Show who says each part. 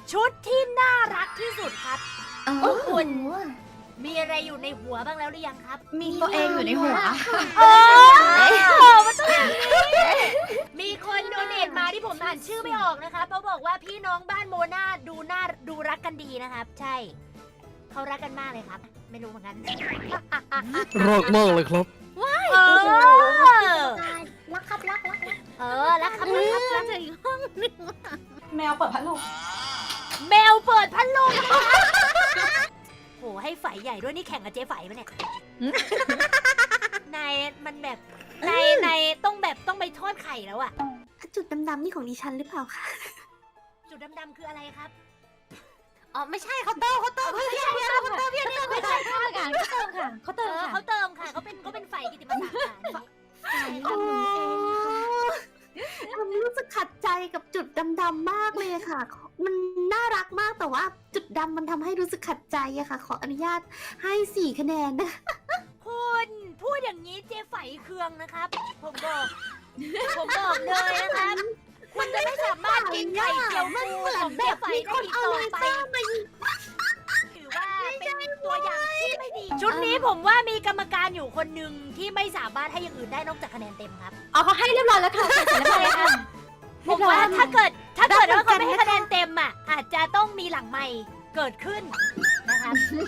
Speaker 1: ชุดที่น่ารักที่สุดครับ
Speaker 2: โอ้โห
Speaker 1: มีอะไรอยู่ในหัวบ้างแล้วหรือยังครับ
Speaker 2: มีตัวเองอยู่ในหัว
Speaker 1: โอ้มันต้องอย่างนี้มีคนโดเนทมาที่ผมอ่านชื่อไม่ออกนะครับเขาบอกว่าพี่น้องบ้านโมนาดูรักกันดีนะครับ ใช่เขารักกันมากเลยครับ ไม่รู้เหมือนกัน
Speaker 3: รักมากเลยครับ
Speaker 1: เออ
Speaker 2: รักครับรัก
Speaker 1: รักครับรักถึงห้องนึง
Speaker 2: แมวเปิดพัดลม
Speaker 1: แมวเปิดพัดลมโหให้ไฟใหญ่ด้วยนี่แข่งกับเจ๊ไฝปะเนี่ยนายมันแบบนายต้องไปทอดไข่แล้วอะ
Speaker 4: จุดดำๆนี่ของดิฉันหรือเปล่าคะ
Speaker 1: จุดดำๆคืออะไรครับ
Speaker 4: อ๋อไม่ใช่เขาเติม
Speaker 1: ไม่ใช่ไม่ใช่ค่ะ
Speaker 2: เขาเติมค่ะเขาเติมค่ะ
Speaker 1: เขาเติมค่ะเขาเป็นไฟกิตติมศักดิ์ค่ะอันนี้
Speaker 4: โอ้ทำรู้สึกขัดใจกับจุดดำๆมากเลยค่ะ มันน่ารักมากแต่ว่าจุดดำมันทำให้รู้สึกขัดใจอะค่ะ ขออนุญาตให้4 คะแนนนะ
Speaker 1: คุณพูดอย่างนี้เจ๊ไฝเคืองนะครับ ผมบอกเลยนะครับ คุณจะไม่สามารถกินไข่เจียวฟูของเจ๊ไฝได้อีกต่อไปถือว่าเป็นตัวอย่างที่ไม่ดี ชุดนี้ผมว่ามีกรรมการอยู่คนหนึ่งที่ไม่สามารถให้อย่างอื่นได้นอกจากคะแนนเต็มครับ
Speaker 2: เอาเขาให้เรียบร้อยแล้วค่ะเสร็จเรียบร้อยแล้วค่ะ
Speaker 1: ผมว่าถ้าเกิดว่าเขาไม่ให้คะแนนเต็มอ่ะอาจจะต้องมีหลังใหม่เกิดขึ้นนะครับ